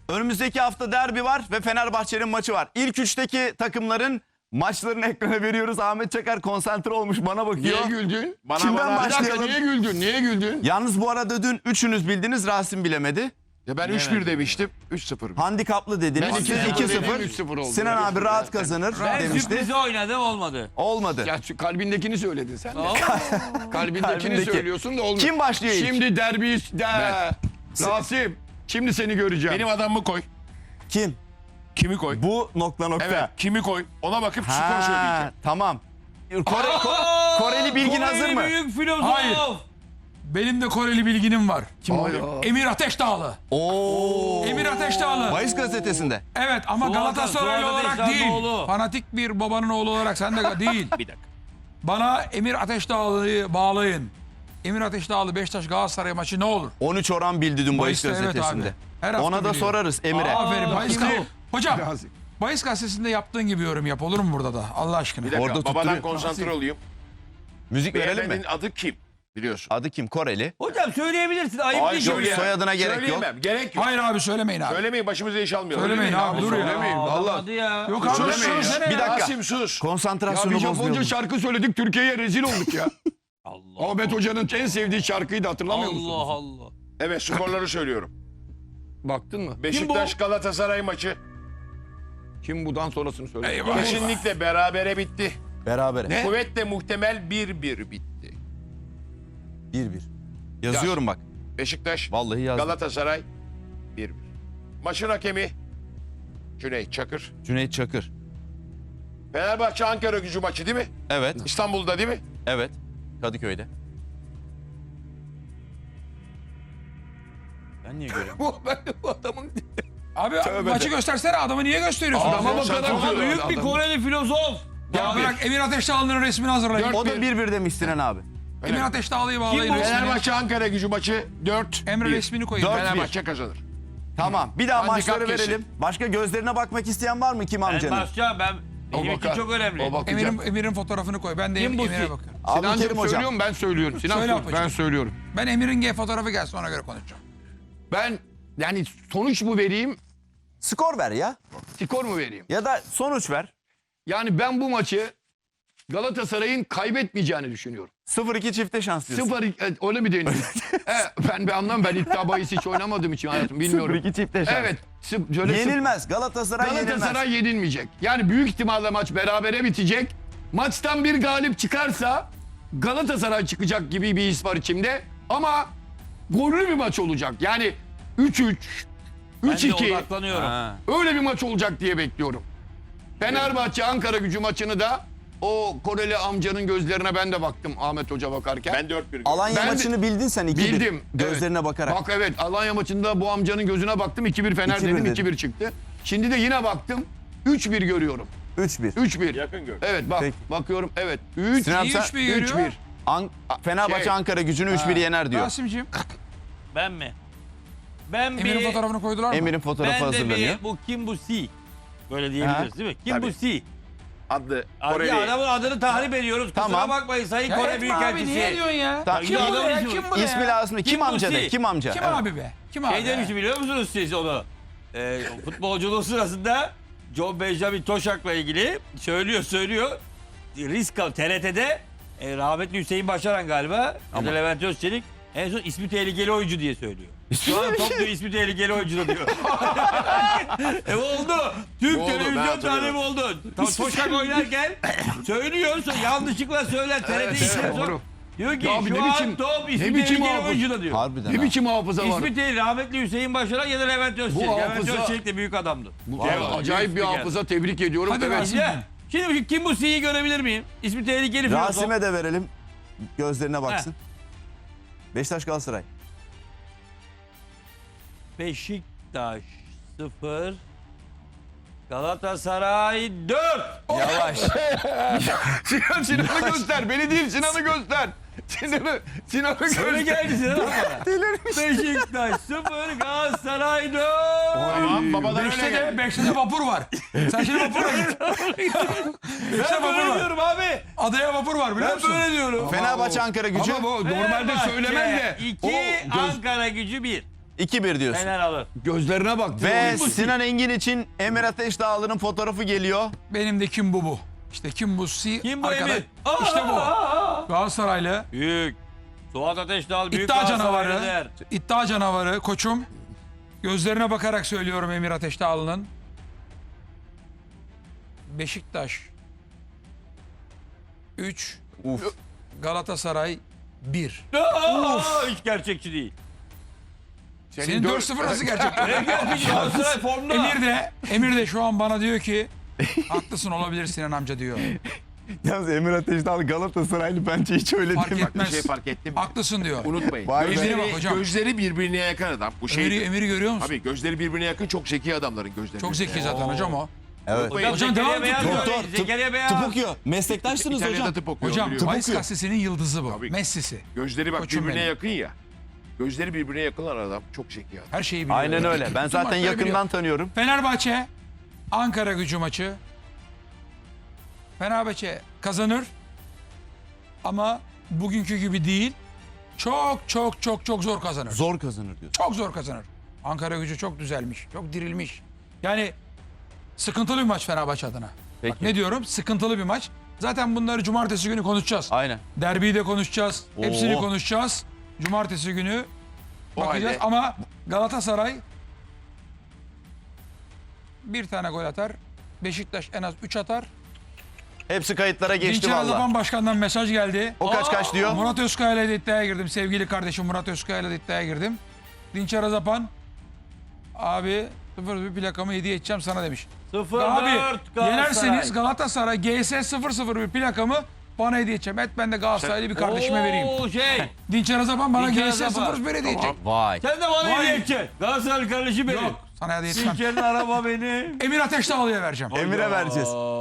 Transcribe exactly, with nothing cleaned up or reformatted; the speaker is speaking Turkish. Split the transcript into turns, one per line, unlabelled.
Önümüzdeki hafta derbi var ve Fenerbahçe'nin maçı var. İlk üçteki takımların maçlarını ekrana veriyoruz. Ahmet Çakar konsantre olmuş bana bakıyor.
Niye güldün?
Bana
Kimden
bana.
Bir dakika
başlayalım?
niye güldün? Niye güldün?
Yalnız bu arada dün üçünüz bildiniz, Rasim bilemedi.
Ya ben üç bir demiştim. üç sıfır.
Handikaplı dediniz.
Ben
Siz
iki sıfır
iki
dedim,
sıfır.
üç sıfır oldu.
Sinan abi rahat kazanır
Ben
demişti.
sürprizi oynadım olmadı.
Olmadı.
Ya şu kalbindekini söyledin sen de.
Tamam.
Kalbindekini
Kalbindeki.
söylüyorsun da olmuyor.
Kim başlıyor ilk?
Şimdi derbi de. Rasim. Şimdi seni göreceğim.
Benim adamımı koy.
Kim?
Kimi koy?
Bu nokta nokta.
Evet, kimi koy? Ona bakıp skor
Ha,
söyleyeceğim.
tamam. Kore, Ko- Koreli bilgin
Koreli
hazır mı?
büyük filozof.
Hayır. Benim de Koreli bilginim var.
Kim o?
Emir Ateşdağlı.
Oo.
Emir Ateşdağlı.
Bayis gazetesinde.
Evet ama
Suat-
Galatasaraylı
Suat
olarak
Ateşdağ
değil.
oğlu.
Fanatik bir babanın oğlu olarak sen de değil.
Bir dakika.
Bana Emir Ateşdağlı'yı bağlayın. Emir Ateşdağlı Beşiktaş Galatasaray maçı ne olur?
on üç oran bildi dün Bayis
Bayis'te, evet
gazetesinde.
abi. Her hafta
Ona da
biliyor.
sorarız Emir'e.
Aferin. Bayis
kim
Gazetesi.
bu?
Hocam
Rasim.
Bayis gazetesinde yaptığın gibi yorum yap. Olur mu burada da? Allah aşkına.
Bir dakika.
Orada
Babadan
tutturuyor.
konsantre olayım.
Müzik verelim mi?
Beyefendinin adı kim? Biliyorsun.
Adı kim? Koreli.
Hocam söyleyebilirsin. Ayıp
Ay,
değil.
Yok,
söyle-
soyadına gerek yok.
Söyleyemem. Gerek yok.
Hayır abi söylemeyin abi.
Söylemeyin, başımıza iş almayalım.
Söylemeyin abi, dur ya.
Söylemeyin.
Aa,
Vallahi.
hadi ya.
Yok abi
Söylemeyin ya.
söylesene
Bir
ya.
dakika.
Rasim sus.
Ya
Konsantrasyonu
bir Japonca
bozmayalım.
şarkı söyledik Türkiye'ye rezil olduk ya.
Allah
Ahmet Hoca'nın en sevdiği şarkıyı da hatırlamıyor musun?
Allah Allah.
Evet, skorları söylüyorum.
Baktın mı?
Beşiktaş Galatasaray maçı
Kim budan sonrasını söyle.
Eyvah.
kesinlikle berabere bitti.
Berabere.
Ne?
Kuvvetle muhtemel bir bir bitti.
bir bir. Yazıyorum bak.
Beşiktaş
Vallahi yazdım.
Galatasaray bir bir. Maçın hakemi Cüneyt Çakır.
Cüneyt Çakır.
Fenerbahçe Ankara Gücü maçı değil mi?
Evet.
İstanbul'da değil mi?
Evet. Kadıköy'de. Ben niye görüyorum?
Bu, ben de bu adamın...
Abi
Tövbe
maçı
de.
göstersene adamı niye gösteriyorsun?
Adama
Adamı
bakarak
Ama
Ama
söylüyor
büyük bir
adam.
Koreli filozof.
Ya
Abi,
bırak Emir Ateşdağlı'nın resmini hazırlayın.
Dört-
O da bir bir demiş Sinan abi.
Emir Ateşdağlı'yı bağlayın
Kim bu?
resmini.
Fenerbahçe Ankara Gücü maçı dört
Emre
bir.
resmini koyun.
Dört-
Fenerbahçe kazanır.
Tamam. Bir daha
Handikap
maçları
kesin.
verelim. Başka gözlerine bakmak isteyen var mı Kim
Ben
amcanın?
basacağım. Ben,
O
benim için
bakar.
çok önemli.
O bakacak.
Emir'in, Emir'in fotoğrafını koy. Ben de
Kim bu
Emir'e
ki?
bakıyorum.
Abdülkerim
Sinancığım
hocam.
söylüyorum ben söylüyorum. Sinan
Söyle
söyle,
ablacığım.
ben söylüyorum.
Ben Emir'in G fotoğrafı gelsin ona göre konuşacağım.
Ben yani sonuç mu vereyim,
Skor ver ya.
skor mu vereyim?
Ya da sonuç ver.
Yani ben bu maçı Galatasaray'ın kaybetmeyeceğini düşünüyorum.
sıfır iki çifte şans diyorsun.
Sıfır, e, öyle mi deniyor? e, ben bir anlam ben iddia bahis hiç oynamadığım için hayatım bilmiyorum.
sıfır iki çifte şans.
Evet. sı- Şöyle sıfır-
Yenilmez. Galatasaray,
Galatasaray
yenilmez.
yenilmeyecek. Yani büyük ihtimalle maç berabere bitecek. Maçtan bir galip çıkarsa Galatasaray çıkacak gibi bir his var içimde. Ama gollü bir maç olacak. Yani üç üç,
Ben
üç
de
iki
odaklanıyorum.
Ha.
öyle bir maç olacak diye bekliyorum. Fenerbahçe Ankara Gücü maçını da o Koreli amcanın gözlerine ben de baktım Ahmet Hoca bakarken.
Ben dört bir.
Alanya
Ben de-
maçını bildin sen iki bir.
Bildim.
Gözlerine
evet.
bakarak.
Bak evet Alanya maçında bu amcanın gözüne baktım iki bir Fener
iki bir
dedim
dedin.
iki bir çıktı. Şimdi de yine baktım üç bir görüyorum.
üç bir.
üç bir.
Yakın gör.
Evet bak
Peki.
bakıyorum evet. üç
Sinan
İyi
sen-
üç bir görüyor.
üç bir.
An- Fenerbahçe
Şey-
Ankara Gücü'nü üç bir yener diyor.
Rasim'ciğim
Ben mi? Ben
Emir'in
bir...
fotoğrafını koydular mı?
Emir'in fotoğrafı
Ben de
hazırlanıyor.
bir bu kim bu si? Böyle diyebiliriz
Ha.
değil mi? Kim
Tabii.
bu si?
Adlı
Abi
Koreli.
adamın adını tahrip ediyoruz. Kusura
Tamam.
bakmayın Sayın
Ya
Kore
etme abi niye
Büyükelçisi.
diyorsun ya?
Ta-
Kim bu
Ya
ya?
adam-
Kim bu
İsmi
ya?
lazım. Kim,
Kim bu
amca de?
si?
Kim amca?
Kim
Evet.
abi be? Kim abi?
Şey demiş biliyor musunuz siz onu? Ee, futbolculuğu sırasında John Benjamin Toşak'la ilgili söylüyor söylüyor. Risk al T R T'de e, rahmetli Hüseyin Başaran galiba ya da Levent Özçelik en son ismi tehlikeli oyuncu diye söylüyor. Şu an top diyor ismi tehlikeli oyuncu da diyor. e oldu. Türk
Oldu, ben
televizyon
hatırlıyorum.
tarihi oldu. To- Toşak oynarken söylüyor yanlışlıkla söyler T R T
Evet,
ismi
evet,
son-
doğru.
Diyor ki
Ya abi
şu
ne
an
biçim-
top
ne
ismi
biçim
tehlikeli
hafız-
oyuncu da diyor.
Harbiden
Ne
ha.
biçim hafıza var?
İsmi değil rahmetli Hüseyin Başaran ya da Levent Özçelik.
Bu
Levent
hafıza-
Özçelik de büyük adamdı.
Bu
Vallahi
arada acayip bir
büyük spiker.
hafıza tebrik ediyorum.
Hadi
evet.
Rasim.
Ya, şimdi kim bu C'yi görebilir miyim? İsmi tehlikeli filozof.
Rasim'e de verelim. Gözlerine baksın. Beşiktaş Galatasaray.
Beşiktaş sıfır. Galatasaray dört.
Yavaş.
Sinan, Sinan'ı göster. Beni değil Sinan'ı göster. Sinan'ı, Sinan'ı göster.
Öyle geldi Sinan bana. Beşiktaş sıfır. Galatasaray dört.
Tamam babadan öyle
Beşte
geldi.
de, beşte de vapur var. Sen şimdi vapura git. Beşte
Ben
vapur
böyle
var.
diyorum abi.
Adaya vapur var biliyor
Ben
musun?
böyle diyorum.
Fenerbahçe Ankara Gücü.
Ama bu normalde
Fenerbahçe
söylemem de.
iki,
o göz-
Ankara Gücü bir.
iki bir diyorsun.
Fener alır.
Gözlerine bak.
Ve Sinan Engin için Emir Ateşdağlı'nın fotoğrafı geliyor.
Benim de kim bu bu? İşte kim bu? Si
Kim bu
arkadaş-
Emir? Aa,
İşte bu.
aa, aa.
Galatasaraylı.
Büyük. Suat Ateşdağ büyük
İddia
Galatasaraylı
canavarı.
der.
İddia canavarı koçum. Gözlerine bakarak söylüyorum Emir Ateşdağlı'nın. Beşiktaş üç,
Uf.
Galatasaray bir.
Aa, hiç gerçekçi değil.
Senin dört sıfır nasıl gerçek?
Ne gerçekçi? Galatasaray formda.
Emir de Emir de şu an bana diyor ki haklısın olabilir Sinan amca diyor.
Yalnız Emir Ateşdağlı Galatasaraylı bence hiç öyle
Fark
değil.
Bir
etmez.
şey fark ettim mi?
Haklısın diyor.
Unutmayın.
Vay be.
Gözlerine
Gözleri,
bak hocam.
gözleri birbirine yakın adam. Bu şey.
Emir'i, Emir'i görüyor musun?
Abi gözleri birbirine yakın çok zeki adamların gözleri.
Çok zeki zaten hocam o.
Evet.
Unutmayın.
Hocam
Hocam devam
Zekeriya
et.
Beyaz
Doktor,
diyor. Zekeriya Beyaz.
Tıp okuyor. Meslektaşsınız
İtalya'da
hocam.
tıp okuyor.
Hocam
biliyorum.
Vice gazetesinin yıldızı bu.
Tabii.
Messi'si.
Gözleri bak
Koçum
birbirine
benim.
yakın ya. Gözleri birbirine yakın olan adam çok zeki adam.
Her şeyi biliyor.
Aynen öyle. Ben
Bütün
zaten
maçları
yakından
biliyor.
tanıyorum.
Fenerbahçe Ankara Gücü maçı. Fenerbahçe kazanır. Ama bugünkü gibi değil. Çok çok çok çok zor kazanır.
Zor kazanır diyorsun.
Çok zor kazanır. Ankara Gücü çok düzelmiş. Çok dirilmiş. Yani sıkıntılı bir maç Fenerbahçe adına.
Peki.
Bak ne diyorum? Sıkıntılı bir maç. Zaten bunları cumartesi günü konuşacağız.
Aynen.
Derbiyi de konuşacağız. Hepsini
Oo.
konuşacağız. Cumartesi günü
O
bakacağız.
halde-
Ama Galatasaray bir tane gol atar. Beşiktaş en az üç atar.
Hepsi kayıtlara geçti
Dinçer
valla.
Azapan Başkan'dan mesaj geldi.
O kaç kaç diyor?
Murat Özkaya ile de iddiaya girdim. Sevgili kardeşim Murat Özkaya ile de iddiaya girdim. Dinçer Azapan abi sıfır bir plakamı hediye edeceğim sana demiş.
sıfır
Abi
dört
yenerseniz Galatasaray G S sıfır sıfır bir plakamı bana hediye edeceğim. Et ben de Galatasaraylı bir kardeşime vereyim.
Oo şey.
Dinçer Azapan bana
Dinçer
G S
Azapan.
sıfır sıfır bir hediye edecek.
Vay.
Sen de bana
Vay.
hediye edeceksin. Galatasaraylı kardeşim benim.
Yok sana hediye etmem.
Dinçer'in araba benim.
Emir Ateşdağlı'ya vereceğim.
Emir'e vereceğiz.